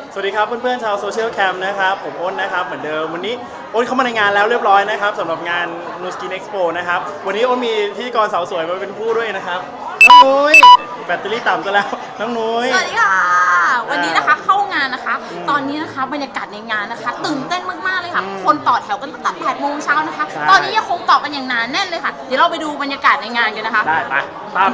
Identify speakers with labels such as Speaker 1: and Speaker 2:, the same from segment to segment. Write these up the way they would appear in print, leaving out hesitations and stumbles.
Speaker 1: สวัสดีครับเพื่อนๆชาวโซเชียลแคมป์นะครับผมอ้นนะครับเหมือนเดิมวันนี้อ้นเข้ามาในงานแล้วเรียบร้อยนะครับสำหรับงาน No Skin Expo นะครับวันนี้อ้นมีพิธีกรสาวสวยมาเป็นผู้ด้วยนะครับน้องนุ้ยแบตเตอรี่ต่ำซะแล้วน้องนุ้ย
Speaker 2: สวัสดีค่ะวันนี้นะคะเข้างานนะคะตอนนี้นะคะบรรยากาศในงานนะคะตื่นเต้นมากๆเลยค่ะคนต่อแถวกันตั้งแต่8 โมงเช้านะคะตอนนี้ยังคงต่อกันอย่างหนาแน่นเลยค่ะเดี๋ยวเราไปดูบรรยากาศในงานกันนะคะ
Speaker 1: ได้ไปตามไป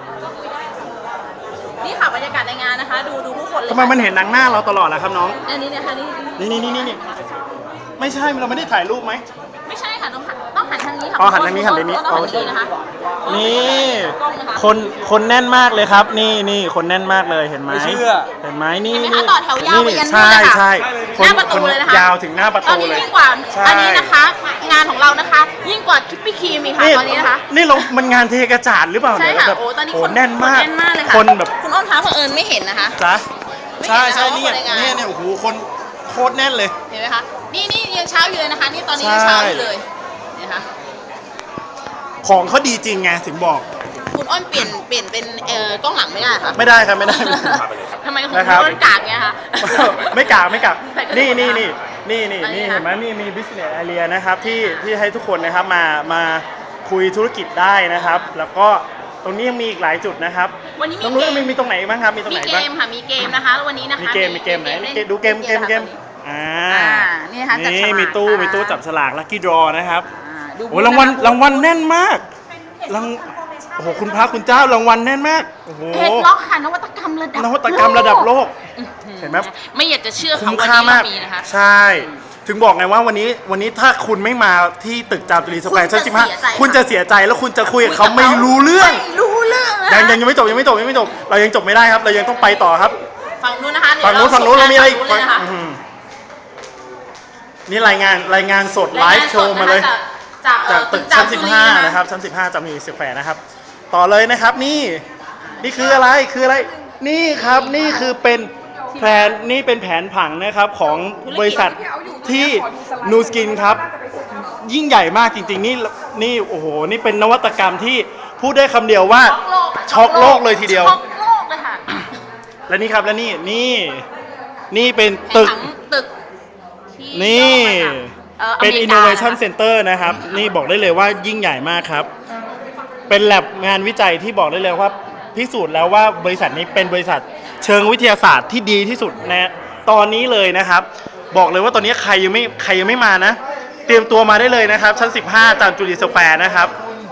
Speaker 2: นี่ค่ะบรรยากาศในงานนะคะดูผู้คนเลย
Speaker 1: ทำไมมันเห็นหนังหน้าเราตลอดล่ะครับน้อง
Speaker 2: นี่นะคะนี่
Speaker 1: ไม่ใช่เราไม่ได้ถ่ายรูปไหม
Speaker 2: ไม่ใช่ค่ะต้องหันทางนี้ค่ะ
Speaker 1: หันทางนี้หันทางนี้
Speaker 2: ต้องหันทางนี้นะคะ
Speaker 1: นี่คนแน่นมากเลยครับนี่คนแน่นมากเลยเห็นไหมเห็นไหมนี่
Speaker 2: ต่อแถวยาวไปยันนู่นเลยค่ะหน้าประตูเลยนะคะ
Speaker 1: ยาวถึงหน้าประตูเลย
Speaker 2: ตอนนี้ยิ่งกว่าอันนี้นะคะงานของเรานะคะยิ่งกว่าคิปปี้ครีมอีกค่ะตอนนี้นะคะ
Speaker 1: นี่เรามันงานเทกระจาดหรือเปล่า
Speaker 2: ใช่ค่ะโอ้ตอนนี้คน
Speaker 1: แน่นมาก
Speaker 2: เลยค่ะ
Speaker 1: คนแบบ
Speaker 2: คุณอ้นคะเผอิญไม่เห็นนะคะ
Speaker 1: จ้ะใช่นี่โอ้โหคนโคตรแน่นเลย
Speaker 2: เห็นไหมคะนี่ยังเช้าอยู่เลยนะคะนี่ตอนนี้ยังเช้าอยู่เลยนะคะ
Speaker 1: ของเขาดีจริงไงถึงบอก
Speaker 2: คุณอ้นเปลี่ยนเป็นกล้องหลังไม่ได้ค่ะ
Speaker 1: ไม่ได้ครับไม่ได้
Speaker 2: ทำไมของคุณอ้นกากเนี่ยคะ
Speaker 1: ไม่กากนี่เห็นไหมนี่มี business area นะครับที่ให้ทุกคนนะครับมาคุยธุรกิจได้นะครับแล้วก็ตรงนี้ยังมีอีกหลายจุดนะครับ
Speaker 2: วันนี้
Speaker 1: มีตรงไหนบ้างครับมีตรงไหนบ้าง
Speaker 2: มีเกมค่ะมีเกมนะคะวันนี้นะคะ
Speaker 1: มีเกมไหนดูเกม
Speaker 2: นี่ค่ะ
Speaker 1: นี่มีตู้จับฉลาก Lucky Draw นะครับโอ้รางวัลแน่นมากโอ้โหคุณพระคุณเจ้ารางวัลแน่นมากโอ้โห
Speaker 2: เฮดล็อกค่ะนวัตกรรม
Speaker 1: ระดับโลกเห็นไหม
Speaker 2: ไม่อยากจะเชื่อ
Speaker 1: คุ้มค่ามากใช่ถึงบอกไงว่าวันนี้ถ้าคุณไม่มาที่ตึกจามจุรีสแควร์ชั้น15คุณจะเสียใจแล้วคุณจะคุยกับเขาไม่รู้เรื่องยังไม่จบเรายังจบไม่ได้ครับเรายังต้องไปต่อครับ
Speaker 2: ฝั่งนู้นนะคะ
Speaker 1: ฝั่งนู้นเรามีอะไรอีกนี่รายงานสดไลฟ์โชว์มาเลยจากตึกชั้น15นะครับชั้น15จามจุรีสแควร์นะครับต่อเลยนะครับนี่คืออะไรนี่ครับนี่คือเป็นแผนผังนะครับของบริษัทที่ Nu Skin ครับยิ่งใหญ่มากจริงๆนี่โอ้โหนี่เป็นนวัตกรรมที่พูดได้คำเดียวว่าช็อกโลกเลยทีเดียว
Speaker 2: ช็อกโลกเลยค่ะ
Speaker 1: และนี่ครับและนี่เป็นตึกนี่เป็น Innovation Center นะครับนี่บอกได้เลยว่ายิ่งใหญ่มากครับเป็นแลบงานวิจัยที่บอกได้เลยว่าพิสูจน์แล้วว่าบริษัทนี้เป็นบริษัทเชิงวิทยาศาสตร์ที่ดีที่สุดในตอนนี้เลยนะครับบอกเลยว่าตอนนี้ใครยังไม่มานะเตรียมตัวมาได้เลยนะครับชั้น15จามจุรีสแควร์นะครับ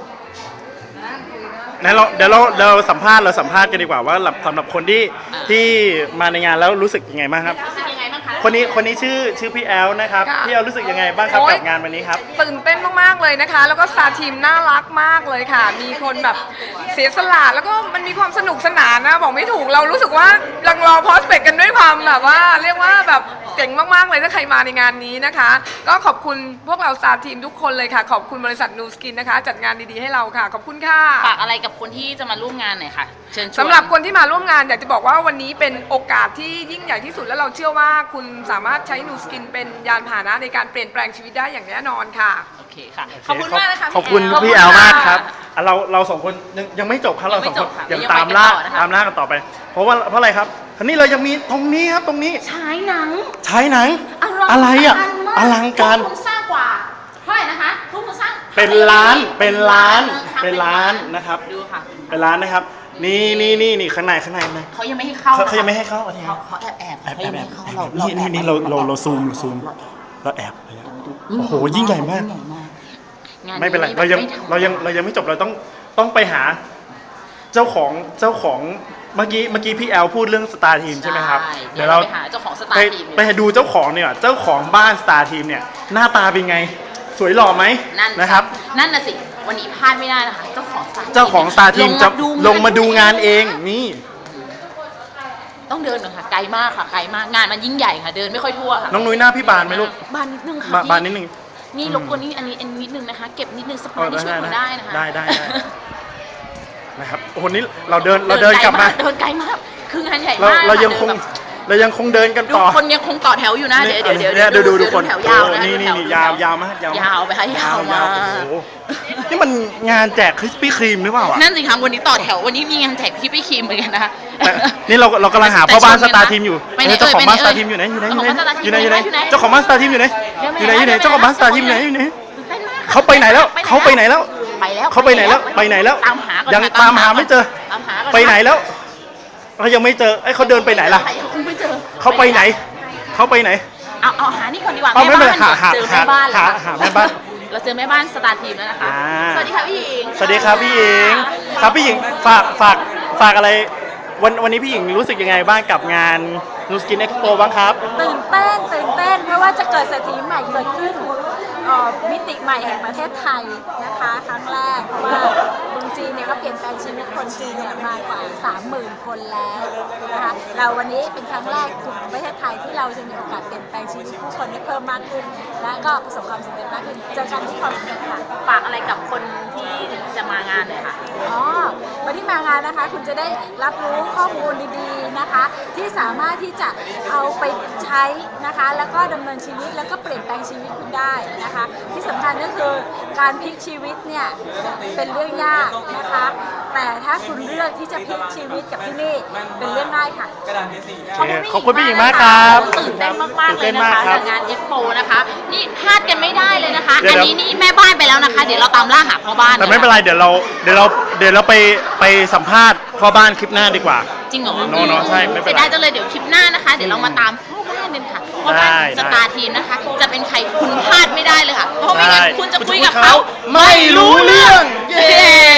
Speaker 1: เดี๋ยวเราสัมภาษณ์กันดีกว่าว่าสำหรับคนที่มาในงานแล้วรู้สึกยังไงบ้างครับคนนี้ชื่อพี่แอลนะครับพี่แอลรู้สึกยังไงบ้างครับกับงานวันนี้ครับ
Speaker 3: ตื่นเต้นมากๆเลยนะคะแล้วก็สตาร์ทีมน่ารักมากเลยค่ะมีคนแบบเสียสละแล้วก็มันมีความสนุกสนานนะบอกไม่ถูกเรารู้สึกว่าลังรอพอสเปกกันด้วยความแบบว่าเรียกว่าแบบเจ๋งมากๆเลยถ้าใครมาในงานนี้นะคะก็ขอบคุณพวกเราสตาร์ทีมทุกคนเลยค่ะขอบคุณบริษัท Nu Skin นะคะจัดงานดีๆให้เราค่ะขอบคุณค่ะ
Speaker 2: ฝากอะไรกับคนที่จะมาร่วมงานหน่อยค่ะเชิญชวน
Speaker 3: สำหรับคนที่มาร่วมงานอยากจะบอกว่าวันนี้เป็นโอกาสที่ยิ่งใหญ่ที่สุดและเราเชื่อว่าคุณสามารถใช้ Nu Skin เป็นยานพาหนะในการเปลี่ยนแปลงชีวิตได้อย่างแน่นอนค่ะ
Speaker 2: โอเคค่ะขอบคุณมากนะคะ
Speaker 1: ขอบคุณพี่แอลมากครับเราสองคนยังไม่จบครับเราสองคนยังตามล่ากันต่อไปเพราะอะไรครับทีนี้เรายังมีตรงนี้ครับตรงนี้
Speaker 2: ฉายหนัง
Speaker 1: อะไรอ่ะอลังการ
Speaker 2: ทุกคนสร้างกว่าเท่าไหร่นะคะทุกคนสร้าง
Speaker 1: เป็นล้านนะครับ
Speaker 2: ดูค่ะ
Speaker 1: เป็นล้านนะครับนี่ข้างใน
Speaker 2: เขายังไม่ให้เข้า
Speaker 1: เขายังไม่ให้เข้า
Speaker 2: เขาแอบ
Speaker 1: นี่เราซูมเราแอบโอ้โหยิ่งใหญ่มากไม่เป็นไรเรายังไม่จบเราต้องไปหาเจ้าของเมื่อกี้พี่แอลพูดเรื่องสตาร์ทีมใช่ไหมครับ
Speaker 2: เดี๋ยวเราไปหาเจ้าของสตาร์ทีม
Speaker 1: ไปดูเจ้าของเนี่ยเจ้าของบ้านสตาร์ทีมเนี่ยหน้าตาเป็นไงสวยหล่อไหมนะครับ
Speaker 2: นั่นน่ะสิวันนี้พลาดไม่ได้นะคะเจ้าของ
Speaker 1: สตาร์ทีมจะลงมาดูงานเองนี่
Speaker 2: ต้องเดินหน่อยค่ะไกลมากค่ะไกลมากงานมันยิ่งใหญ่ค่ะเดินไม่ค่อยทั่วค่ะ
Speaker 1: น้องนุ้ยหน้าพี่บานไหมลูก
Speaker 2: บานนิดนึงค่ะ
Speaker 1: บานนิดนึง
Speaker 2: นี่รบกวนนี่อันนี้นิดนึงนะคะเก็บนิดนึงสปายที่ช่วยได้นะคะ
Speaker 1: ได้นะครับโอ้โหนี่เราเดินกลับมา
Speaker 2: เดินไกลมากคืองานใหญ่มาก
Speaker 1: เรายังคงเดินกันต่อ
Speaker 2: คนยังคงต่อแถวอยู่นะเดี๋ยว
Speaker 1: ดูคน
Speaker 2: แถวยาวนะ
Speaker 1: นี่ยาวมาก
Speaker 2: ยาวไปค่ะยาวมาก
Speaker 1: นี่มันงานแจกคริสปี้ครีมหรือเปล่าอ่ะ
Speaker 2: นั่นสิคะวันนี้ต่อแถววันนี้มีงานแจกพี่พี่ครีมเหมือนกันนะคะ
Speaker 1: แต่นี่เรากำลังหาพ่อบ้านสตาร์ทีมอยู่
Speaker 2: ไปไหน
Speaker 1: เจ้าของบ้านส
Speaker 2: เอ่
Speaker 1: ตาย ร์ทีมอยู่ไหนอยู่ไหนอยู่ไหน
Speaker 2: เจ้าของบ้านสตาร์ทีม
Speaker 1: อยู่ไหน
Speaker 2: อยู่ไหน
Speaker 1: เจ้าของบ้านสตาร์ทีมอยู่ไหนอยู่ไหนอยู่ไหนเจ้าของบ้านสตาร์ทีมอยู่ไหนอยู่ไหน
Speaker 2: เต้นมาก
Speaker 1: เขาไปไหนแล้วเขาไปไหนแล้ว
Speaker 2: ไปแล้ว
Speaker 1: เขาไปไหนแล้วไปไหนแล้ว
Speaker 2: ตามหาก่อน
Speaker 1: ยัง
Speaker 2: ค่ะ
Speaker 1: ตามหาไม่เจอ
Speaker 2: ตามหาก่อน
Speaker 1: ไปไหนแล้วเขายังไม่เจอไอ้ยเขาเดินไปไหนล่ะ
Speaker 2: ไม่เจอ
Speaker 1: เขาไปไหนเขาไปไหน
Speaker 2: เอาหานี่ก่อนดีกว่า
Speaker 1: เอาไม่เป็นไร
Speaker 2: แม่บ้าน
Speaker 1: หา
Speaker 2: เจอแม่บ้านแล้ว
Speaker 1: หาแม่บ้าน
Speaker 2: เราเจอแม่บ้านสตาร์ทีมแล้วนะคะ
Speaker 1: อ่า
Speaker 2: สวัสดีค่ะพี่หญิง
Speaker 1: สวัสดีครับพี่หญิงครับพี่หญิงฝากอะไรวันนี้พี่หญิงรู้สึกยังไงบ้างกับงานนูสกินเอ็กซ์โปบ้างครับ
Speaker 4: ตื่นเต้นเพราะว่าจะเกิดเศรษฐีใหม่เกิดขึ้นมิติใหม่แห่งประเทศไทยนะคะครั้งแรกเพราะว่าเมืองจีนเนี่ยเขาเปลี่ยนแปลงชีวิตคนจีนเนี่ยมากว่า 30,000 คนแล้วนะคะเราวันนี้เป็นครั้งแรกของประเทศไทยที่เราจะมีโอกาสเปลี่ยนแปลงชีวิตผู้คนให้เพิ่มมากขึ้น และก็ประสบความสำเร็จมากขึ้นเจอกันที่ความสำเร็จค่ะ
Speaker 2: ฝากอะไรกับคนที่จะมางานหน่อยค่ะ
Speaker 4: อ๋อวันที่มางานนะคะคุณจะได้รับรู้ข้อมูลดีๆนะคะ ที่สามารถที่จะเอาไปใช้นะคะแล้วก็ดำเนินชีวิตแล้วก็เปลี่ยนแปลงชีวิตคุณได้นะคะ ที่สำคัญก็คือการพลิกชีวิตเนี่ยเป็นเรื่องยากนะคะ แต่ถ้าคุณเลือกที่จะพลิกชีวิตกับที่นี่เป็นเรื่องง่ายค่ะ
Speaker 1: ขอบคุณพี่หญิงมากครับ
Speaker 2: ตื่นเต้นมากๆ
Speaker 1: ตื่น
Speaker 2: เล
Speaker 1: เต้
Speaker 2: ย
Speaker 1: น
Speaker 2: นะ
Speaker 1: มาก
Speaker 2: คะ
Speaker 1: ครับ
Speaker 2: กับงานเอ็กโปนะคะ นี่พลาดกันไม่ได้เลยนะคะ
Speaker 1: เดี๋ยว
Speaker 2: อันนี้นี่แม่บ้านไปแล้วนะคะ เดี๋ยวเราตามล่าหาพ่อบ้าน
Speaker 1: แต่ไม่เป็นไรเดี๋ยวเราไปสัมภาษณ์พ่อบ้านคลิปหน้าดีกว่า
Speaker 2: จริงเหรอ
Speaker 1: โน่ใช่ไม่เป็นไร
Speaker 2: เสียดายจังเลยเดี๋ยวคลิปหน้านะคะ เดี๋ยวเรามาตามพ่อบ้านกันค่ะพ่อบ้าน
Speaker 1: ได้
Speaker 2: สตาร์ทีมนะคะ จะเป็นใครคุณพลาดไม่ได้เลยค่ะ เพราะไม่งั้น
Speaker 1: ได้
Speaker 2: คุณจะคุย
Speaker 1: คุณจะคุย
Speaker 2: กับ
Speaker 1: เขา
Speaker 2: เขาไม่รู้เรื่อง เย้